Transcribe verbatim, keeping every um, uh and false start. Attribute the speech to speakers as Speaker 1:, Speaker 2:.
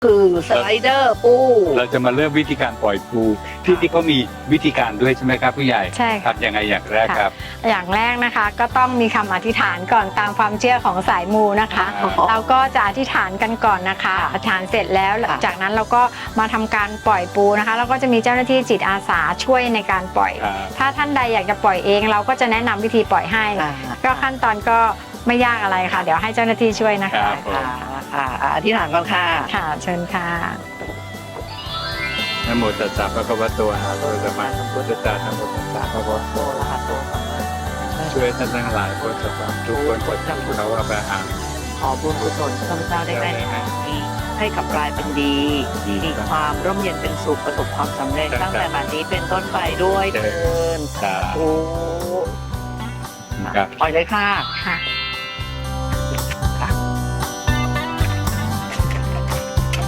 Speaker 1: คือสไลเดอร์ปู
Speaker 2: เราจะมาเริ่มวิธีการปล่อยปูที่ที่เขามีวิธีการด้วยใช่ไหมครับผู้ใหญ่
Speaker 3: ใช่ค่ะ
Speaker 2: ทำยังไงอย่างแรกครับ
Speaker 3: อย่างแรกนะคะก็ต้องมีคำอธิษฐานก่อนตามความเชื่อของสายมูนะคะ
Speaker 2: อ๋อ
Speaker 3: เราก็จะอธิษฐานกันก่อนนะคะอธิษฐานเสร็จแล้วจากนั้นเราก็มาทำการปล่อยปูนะคะแล้วก็จะมีเจ้าหน้าที่จิตอาสาช่วยในการปล่อย
Speaker 2: ครับ
Speaker 3: ถ้าท่านใดอยากจะปล่อยเองเราก็จะแนะนำวิธีปล่อยให้ ก็ขั้นตอนก็ไม่ยากอะไรค่ะ เดี๋ยวให้เจ้าหน้าที่ช่วยนะ
Speaker 2: ค
Speaker 3: คะ
Speaker 2: รับผม
Speaker 1: ค่ะค่ะอธิษฐานก่อนค่ะ
Speaker 3: ค่ะเชิญค่ะ
Speaker 2: นะโมตัสสะภะคะวะโตอะระหะโตสัมมาสัมพุทธัสสะนะโมตัสสะภะคะวะโต
Speaker 1: โตละหัตโตสัมมา
Speaker 2: ช่วยท่านทั้งหลายพ้นจากความทุกข์พ้นจากทุกข์เขาว่าไปหา
Speaker 1: ขอบุญกุศลข้าพเจ้าได้ได้ทำดีให้กลับกลายเป็นดี มีความร่มเย็นเป็นสุขประสบความสำเร็จตั้งแต่บัดนี้เป็นต้นไปด้วยเถิด
Speaker 2: ครับ
Speaker 1: โอ้
Speaker 2: ครับ
Speaker 1: ปล่อยเลยค่ะ
Speaker 3: ค่ะ